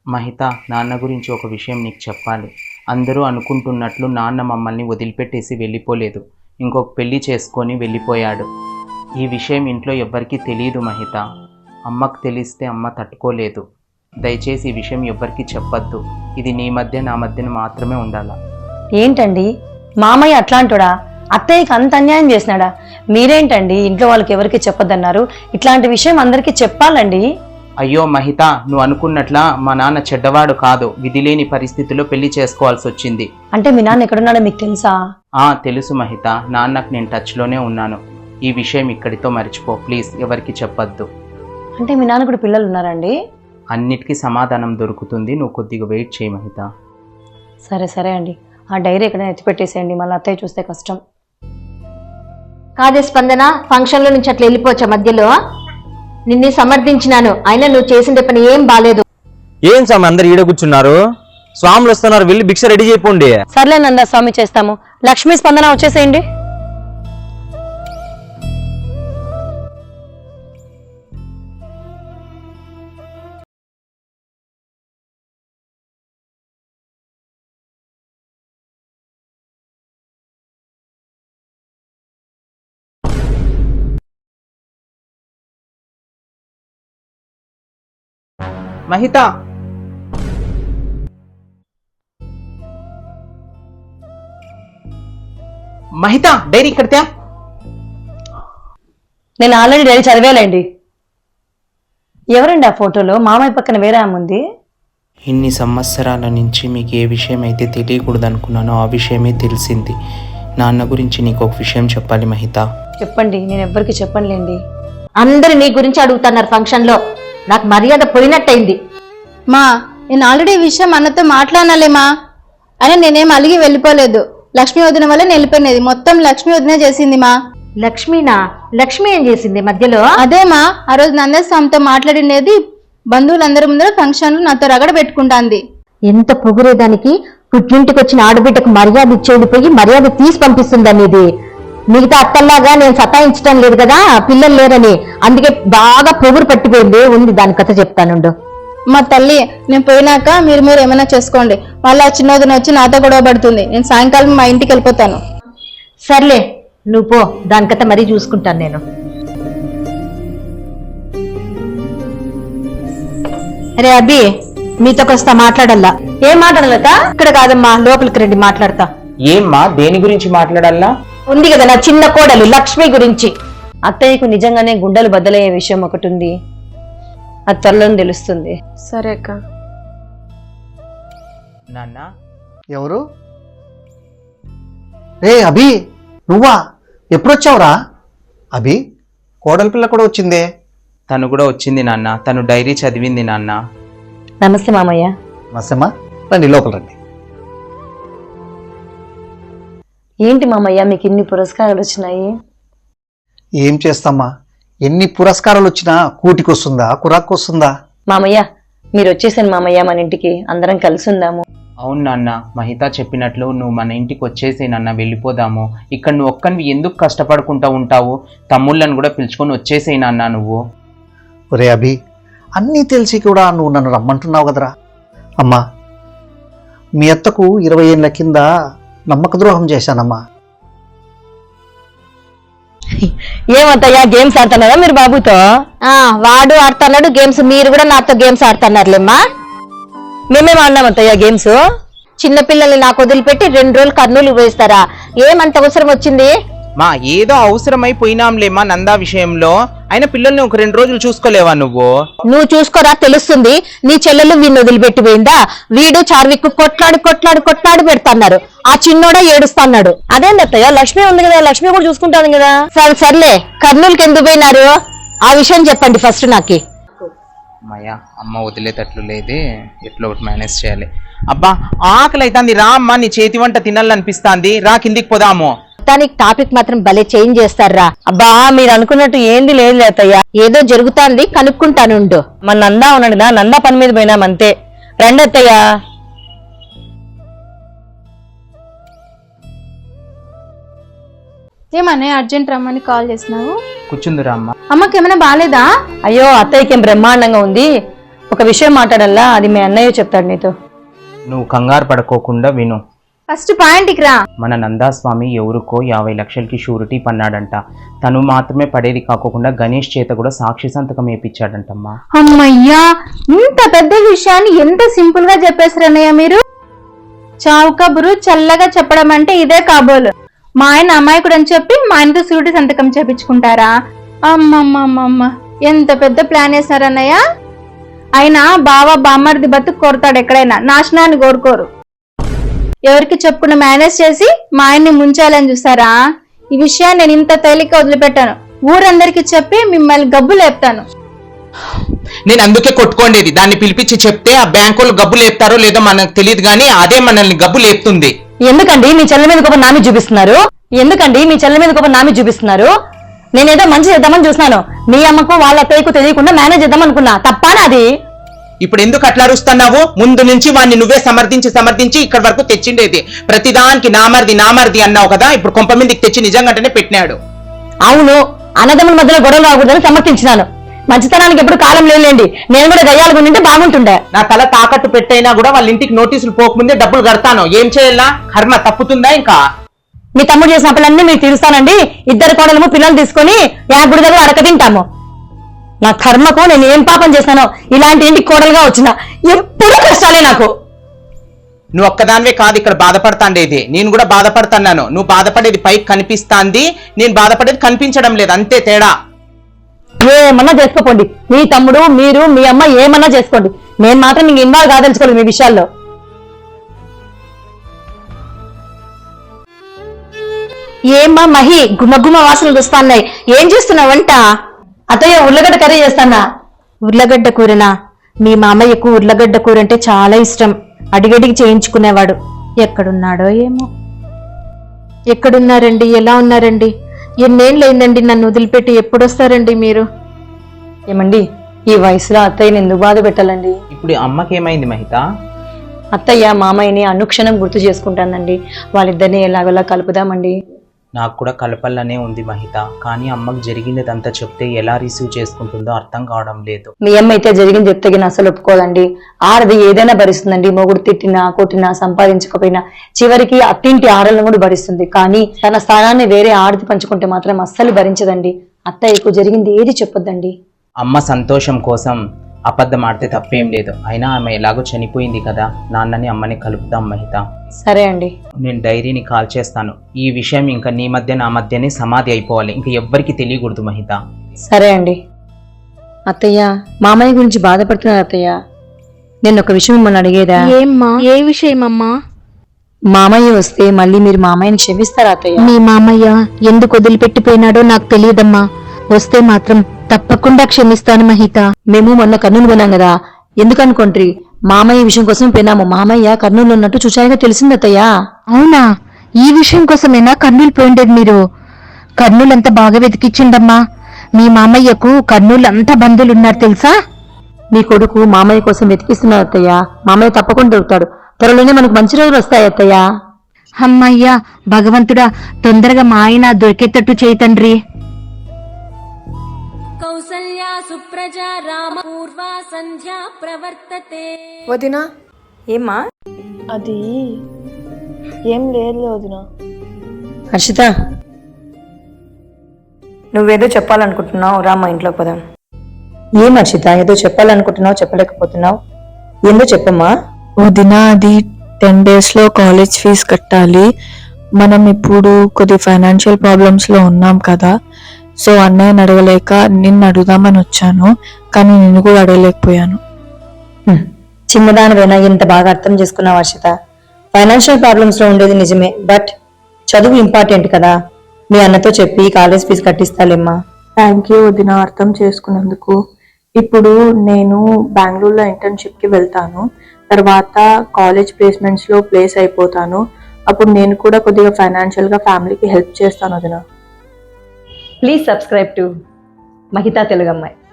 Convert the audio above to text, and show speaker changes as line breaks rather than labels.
మహిత, నాన్న గురించి ఒక విషయం నీకు చెప్పాలి. అందరూ అనుకుంటున్నట్లు నాన్న మమ్మల్ని వదిలిపెట్టేసి వెళ్ళిపోలేదు, ఇంకొక పెళ్లి చేసుకొని వెళ్ళిపోయాడు. ఈ విషయం ఇంట్లో ఎవ్వరికీ తెలియదు మహిత. అమ్మకు తెలిస్తే అమ్మ తట్టుకోలేదు. దయచేసి ఈ విషయం ఎవ్వరికీ చెప్పొద్దు. ఇది నీ మధ్య నా మధ్యన మాత్రమే ఉండాలా.
ఏంటండి మామయ్య అట్లాంటోడా? అత్తయ్యకి అంత అన్యాయం చేసినాడా? మీరేంటండి ఇంట్లో వాళ్ళకి ఎవరికి చెప్పొద్దన్నారు? ఇట్లాంటి విషయం అందరికీ చెప్పాలండి.
అయ్యో మహిత, నువ్వు అనుకున్నట్లా మా నాన్న చెడ్డవాడు కాదు. విధిలేని పరిస్థితుల్లో పెళ్లి చేసుకోవాల్సి వచ్చింది.
అంటే మీ నాన్న ఎక్కడున్నాడో మీకు తెలుసా?
తెలుసు మహిత, నాన్నకు నేను టచ్లోనే ఉన్నాను. ఈ విషయం ఇక్కడితో మర్చిపో ప్లీజ్, ఎవరికి చెప్పొద్దు.
అంటే మీ నాన్న కూడా పిల్లలు ఉన్నారండి?
అన్నిటికీ సమాధానం దొరుకుతుంది, నువ్వు కొద్దిగా వెయిట్ చేయి మహిత.
సరే సరే అండి, ఆ డైరీ ఎక్కడైనా ఎత్తిపెట్టేసేయండి, మళ్ళీ అత్తయ్య చూస్తే కష్టం.
కాదే స్పందన, ఫంక్షన్లో నుంచి అట్లా వెళ్ళిపోవచ్చా మధ్యలో? నిన్ను సమర్థించినాను, అయినా నువ్వు చేసిన పని ఏం బాలేదు.
ఏం స్వామి అందరు ఈడ కూర్చున్నారు? స్వాములు వస్తున్నారు, వెళ్ళి భిక్ష రెడీ చేయపోండి.
సర్లే నందా స్వామి, చేస్తాము. లక్ష్మీ స్పందన వచ్చేసేయండి.
మహిత, మహిత డైరీ కడితే.
నేను ఆల్రెడీ డైరీ చదివేలేండి. ఎవరండి ఆ ఫోటోలో? మామయ్య పక్కన వేరే ఆమె ఉంది.
ఇన్ని సంవత్సరాల నుంచి మీకు ఏ విషయం అయితే తెలియకూడదు అనుకున్నానో ఆ విషయమే తెలిసింది. నాన్న గురించి నీకు ఒక విషయం చెప్పాలి మహిత.
చెప్పండి, నేను ఎవ్వరికి చెప్పనులేండి.
అందరు నీ గురించి అడుగుతున్నారు ఫంక్షన్లో, నాకు మర్యాద పోయినట్టయింది.
మా నేను ఆల్రెడీ ఈ విషయం అన్నతో మాట్లాడాలేమా, అయినా నేనేం అలిగి వెళ్ళిపోలేదు. లక్ష్మీ వదిన వల్ల నేను వెళ్ళిపోయినది మొత్తం లక్ష్మీ వదిన చేసింది మా.
లక్ష్మీనా? లక్ష్మి ఏం చేసింది మధ్యలో?
అదేమా, ఆ రోజు నందస్వామితో మాట్లాడినది బంధువులందరి ముందర ఫంక్షన్లు నాతో రగడ పెట్టుకుంటాంది.
ఎంత పొగురేదానికి పుట్టింటికి వచ్చిన ఆడబిడ్డకు మర్యాద ఇచ్చేది పోయి మర్యాద తీసి పంపిస్తుందని. ఇది మిగతా అత్తల్లాగా నేను సతాయించడం లేదు కదా, పిల్లలు లేరని, అందుకే బాగా పొగురు పట్టిపోయింది. ఉంది దాని కథ చెప్తానుండు.
మా తల్లి, నేను పోయినాక మీరు ఏమైనా చేసుకోండి. వాళ్ళ చిన్నదిన వచ్చి నాతో గొడవ పడుతుంది. నేను సాయంకాలం మా ఇంటికి వెళ్ళిపోతాను.
సర్లే నువ్వు పో, దాని కథ మరీ చూసుకుంటాను నేను. అరే అబ్బి, మీతో కొస్తా మాట్లాడల్లా.
ఏం మాట్లాడలేక?
ఇక్కడ కాదమ్మా, లోపలికి రండి మాట్లాడతా.
ఏమ్మా, దేని గురించి మాట్లాడాలా?
ఉంది కదా నా చిన్న కోడలు లక్ష్మి గురించి.
అత్తయ్యకు నిజంగానే గుండెలు బద్దలయ్యే విషయం ఒకటి ఉంది, అది త్వరలో తెలుస్తుంది.
సరే అక్క.
నాన్న,
ఎవరు? రే అభి, నువ్వా? ఎప్పుడొచ్చావురా? అభి, కోడలి పిల్ల కూడా వచ్చిందే.
తను కూడా వచ్చింది నాన్న, తను డైరీ చదివింది నాన్న.
నమస్తే మామయ్య.
నమస్తేమ్మా, రండి లోపల రండి.
ఏంటి మామయ్య మీకు ఇన్ని పురస్కారాలు వచ్చినాయి?
ఏం చేస్తామ్మా, ఎన్ని పురస్కారాలు వచ్చినా కూటికి వస్తుందా, కురాకు వస్తుందా?
మామయ్య మీరు వచ్చేసాను మామయ్య, మన ఇంటికి అందరం కలిసి ఉందాము.
అవును నాన్న, మహిత చెప్పినట్లు నువ్వు మన ఇంటికి వచ్చేసే నాన్న, వెళ్ళిపోదాము. ఇక్కడ నువ్వు ఒక్కనివి ఎందుకు కష్టపడుకుంటా ఉంటావు? తమ్ముళ్ళను కూడా పిలుచుకొని వచ్చేసేయి నాన్న నువ్వు.
ఒరే అభి, అన్నీ తెలిసి కూడా నువ్వు నన్ను రమ్మంటున్నావు కదరా. అమ్మా, మీ అత్తకు 20 ఏళ్ళ కింద నమ్మక ద్రోహం చేశానమ్మా.
ఏమంతయ్యా, గేమ్స్ ఆడుతున్నారా మీరు బాబుతో?
వాడు ఆడుతున్నాడు గేమ్స్, మీరు కూడా నాతో గేమ్స్ ఆడుతున్నారులేమ్మా.
మేమేం ఆడినామంతయ్యా గేమ్స్?
చిన్నపిల్లల్ని నాకు వదిలిపెట్టి 2 రోజులు కర్నూలు వేస్తారా? ఏమంత అవసరం వచ్చింది?
మా ఏదో అవసరమైపోయినాంలేమా నందా విషయంలో, అయినా పిల్లల్ని ఒక 2 రోజులు చూసుకోలేవా నువ్వు?
నువ్వు చూసుకోరా, తెలుస్తుంది. నీ చెల్లెలు వీడిని వదిలిపెట్టిపోయిందా? వీడు చార్విక్ కొట్లాడి కొట్లాడి కొట్లాడి పెడతాన్నారు, ఆ చిన్నోడా ఏడుస్తున్నాడు.
అదేందత్తయ్య, లక్ష్మి ఉంది కదా, లక్ష్మి కూడా చూసుకుంటాను కదా.
సర్లే, కర్నూలుకి ఎందుకు పోయినారు ఆ విషయం చెప్పండి ఫస్ట్ నాకు.
అమ్మయ్య, అమ్మ వదిలేటట్లు లేదే, ఎట్లా ఒకటి మేనేజ్ చేయాలి. అబ్బా ఆకలి అవుతుంది, రా అమ్మ, నీ చేతి వంట తినాలనిపిస్తాంది, రా కిందికి పోదాము.
దానికి టాపిక్ మాత్రం భలే చేంజ్ చేస్తారా.
అబ్బా మీరు అనుకున్నట్టు ఏంది లేదు అత్తయ్య,
ఏదో జరుగుతాంది కనుక్కుంటానుండు.
మన నందా ఉన్నాడు కదా, నందా పని మీద పోయినాం అంతే. రండి అత్తయ్య.
ఏమన్నా అర్జెంట్ రమ్మని కాల్ చేసినావు?
కూర్చుందిరా అమ్మ.
అమ్మకి ఏమైనా బాగాలేదా?
అయ్యో అత్తయ్యకి ఏం బ్రహ్మాండంగా ఉంది. ఒక విషయం మాట్లాడాలా, అది మీ అన్నయ్య చెప్తాడు నీతో.
నువ్వు కంగారు పడుకోకుండా విను.
ఫస్ట్ పాయింట్కి రా.
మన నందాస్వామి ఎవరికో 50 లక్షలకి షూరిటీ పన్నాడంట. తను మాత్రమే పడేది కాకుండా గణేష్ చేత కూడా సాక్షి సంతకం వేయించాడంటమ్మా.
అమ్మయ్యా, ఇంత పెద్ద విషయాన్ని ఎంత సింపుల్ గా చెప్పేశారు అన్నయ్య మీరు. చావు కబురు చల్లగా చెప్పడం అంటే ఇదే కాబోలు. మా ఆయన అమాయకుడు అని చెప్పి మా ఆయనతో షూరిటీ సంతకం చేపించుకుంటారా? అమ్మమ్మమ్మమ్మ, ఎంత పెద్ద ప్లాన్ వేశారు అన్నయ్య. అయినా బావ బామ్మర్ది బతుకు కోరుతాడు ఎక్కడైనా, నాశనాన్ని కోరుకోరు. ఎవరికి చెప్పకుండా మేనేజ్ చేసి మా ఆయన్ని ముంచాలని చూసారా? ఈ విషయాన్ని నేను ఇంత తేలిక వదిలిపెట్టాను. ఊరందరికి చెప్పి మిమ్మల్ని గబ్బు లేపుతాను.
నేను అందుకే కొట్టుకోండేది. దాన్ని పిలిపించి చెప్తే ఆ బ్యాంకులు గబ్బు లేపుతారో లేదో మనకు తెలియదు, కానీ అదే మనల్ని గబ్బు లేపుతుంది.
ఎందుకండి మీ చెల్లె మీద కోపం నామి చూపిస్తున్నారు? ఎందుకండి మీ చెల్లె మీద కోపం నామి చూపిస్తున్నారు? నేనేదో మంచి చేద్దామని చూస్తున్నాను. మీ అమ్మకు వాళ్ళ అత్తయ్యకు తెలియకుండా మేనేజ్ చేద్దాం అనుకున్నా. తప్పానా అది?
ఇప్పుడు ఎందుకు అట్లా అరుస్తున్నావు? ముందు నుంచి వాడిని నువ్వే సమర్థించి ఇక్కడ వరకు తెచ్చిండేది. ప్రతిదానికి నామర్ది అన్నావు కదా, ఇప్పుడు కొంప మీదకి తెచ్చి నిజంగానే పెట్టినాడు.
అవును, అన్నదమ్ముల మధ్యలో గొడవలు రాకూడదని సమర్థించినాను. మంచితనానికి ఎప్పుడు కాలం లేదండి. నేను కూడా గయ్యాలు ఉంటే బాగుంటుండే.
నా తల తాకట్టు పెట్టైనా కూడా వాళ్ళ ఇంటికి నోటీసులు పోకముందే డబ్బులు కడతాను. ఏం చేయాలా? కర్మ తప్పుతుందా? ఇంకా
మీ తమ్ముడు చేసిన పనులన్నీ మీకు తీరుస్తానండి. 2 కోడలము పిల్లలు తీసుకొని యాగుడి దగ్గర అడక తింటాము. నా కర్మకు నేను ఏం పాపం చేశానో ఇలాంటి ఇంటికి కోడలుగా వచ్చిన. ఎప్పుడూ కష్టాలే నాకు.
నువ్వు ఒక్కదానివే కాదు ఇక్కడ బాధపడతాండేది, నేను కూడా బాధపడుతున్నాను. నువ్వు బాధపడేది పైకి కనిపిస్తాంది, నేను బాధపడేది కనిపించడం లేదు, అంతే తేడా.
ఏమన్నా చేసుకోండి, మీ తమ్ముడు మీరు మీ అమ్మ ఏమన్నా చేసుకోండి. నేను మాత్రం మీకు ఇన్వాల్వ్ కాదలుచుకోలేదు మీ విషయాల్లో.
ఏమ్మా మహి, గుమగుమ వాసనలు వస్తున్నాయి. ఏం చేస్తున్నావు వంట?
అత్తయ్య ఉర్లగడ్డ కర్రీ చేస్తానా.
ఉర్లగడ్డ కూరనా? మీ మామయ్యకు ఉర్లగడ్డ కూర అంటే చాలా ఇష్టం. అడిగడిగి చేయించుకునేవాడు. ఎక్కడున్నాడో ఏమో. ఎక్కడున్నారండి? ఎలా ఉన్నారండి? ఎన్నేళ్ళయిందండి నన్ను వదిలిపెట్టి? ఎప్పుడొస్తారండి మీరు?
ఏమండి, ఈ వయసులో అత్తయ్యని ఎందుకు బాధ పెట్టాలండి?
ఇప్పుడు అమ్మకేమైంది మహిత?
అత్తయ్య మామయ్యని అనుక్షణం గుర్తు చేసుకుంటానండి. వాళ్ళిద్దరిని ఎలాగోలా కలుపుదామండి.
నాకు కూడా కలపల్లనే ఉంది మహిత, కానీ అమ్మకు జరిగినదంతా చెప్తే ఎలా రిసీవ్ చేసుకుంటుందో అర్థం కావడం లేదు.
మీ అమ్మ అయితే జరిగింది చెప్తే అసలు ఒప్పుకోదండి. ఆడది ఏదైనా భరిస్తుందండి. మొగుడు తిట్టినా కొట్టినా సంపాదించకపోయినా చివరికి అత్తింటి ఆడలను కూడా భరిస్తుంది. కానీ తన స్థానాన్ని వేరే ఆడది పంచుకుంటే మాత్రం అస్సలు భరించదండి. అత్తయ్యకు జరిగింది ఏది చెప్పొద్దండి.
అమ్మ సంతోషం కోసం అబద్ధం ఆడితే తప్పేం లేదు. అయినా ఆమె ఎలాగో చనిపోయింది కదా, నాన్నని అమ్మని కలుపుదాం మహిత.
సరే అండి,
నేను డైరీని కాల్ చేస్తాను. ఈ విషయం ఇంకా నీ మధ్య నా మధ్యనే సమాధి అయిపోవాలి, ఇంకా ఎవ్వరికి తెలియకూడదు మహిత.
సరే అండి. అత్తయ్య, మామయ్య గురించి బాధపడుతున్నారు అత్తయ్య. నేను ఒక విషయం మిమ్మల్ని అడిగేదా?
ఏమ్మా? ఏ విషయం అమ్మా?
మామయ్య వస్తే మళ్ళీ మీరు మామయ్యని క్షమిస్తారా అత్తయ్య?
మీ మామయ్య ఎందుకు వదిలిపెట్టిపోయినాడో నాకు తెలియదమ్మా. వస్తే మాత్రం తప్పకుండా క్షమిస్తాను మహిత.
మేము మొన్న కర్నూలు పోయినాం కదా, ఎందుకు అనుకోండి మామయ్య విషయం కోసం పోయినాము. మామయ్య కర్నూలు ఉన్నట్టు చూచాయిగా తెలిసింది అత్తయ్య.
అవునా? ఈ విషయం కోసమేనా కర్నూలు పోయిండేది మీరు? కర్నూలు అంతా బాగా వెతికిచ్చిండమ్మా. మీ మామయ్యకు కర్నూలు అంతా బంధువులున్నారు తెలుసా?
మీ కొడుకు మామయ్య కోసం వెతికిస్తున్నారు అత్తయ్య. మామయ్య తప్పకుండా దొరుకుతాడు. త్వరలోనే మనకు మంచి రోజులు వస్తాయి అత్తయ్య.
అమ్మయ్యా, భగవంతుడా తొందరగా మా ఆయన దొరికేటట్టు చేయి తండ్రి.
కౌసల్యా సుప్రజా రామ పూర్వా సంధ్యా ప్రవర్తతే.
వదినా,
ఏమ్మా?
అది ఏం లేదు వదినా.
హర్షిత, నువ్వేదో చెప్పాలనుకుంటున్నావు, రా మా ఇంట్లోకి పోదాం. ఏం హర్షిత, ఏదో చెప్పాలనుకుంటున్నావు చెప్పలేకపోతున్నావు, ఏందో చెప్పమ్మా.
వదినా, అది 10 days లో కాలేజ్ ఫీజు కట్టాలి. మనం ఇప్పుడు కొద్ది ఫైనాన్షియల్ ప్రాబ్లమ్స్ లో ఉన్నాం కదా, సో అన్నయ్యని అడగలేక నిన్ను అడుగుదామని వచ్చాను, కానీ నిన్ను కూడా అడగలేకపోయాను.
చిన్నదానివైనా ఇంత బాగా అర్థం చేసుకున్నావు హర్షిత. ఫైనాన్షియల్ ప్రాబ్లమ్స్ లో ఉండేది నిజమే, బట్ చదువు ఇంపార్టెంట్ కదా. మీ అన్నతో చెప్పి కాలేజ్ ఫీజు కట్టిస్తాలేమ్మా.
థ్యాంక్ యూ వదిన, అర్థం చేసుకున్నందుకు. ఇప్పుడు నేను బెంగళూరులో ఇంటర్న్షిప్కి వెళ్తాను. తర్వాత కాలేజ్ ప్లేస్మెంట్స్లో ప్లేస్ అయిపోతాను. అప్పుడు నేను కూడా కొద్దిగా ఫైనాన్షియల్గా ఫ్యామిలీకి హెల్ప్ చేస్తాను వదిన.
Please subscribe to Mahitha Telugu అమ్మాయి.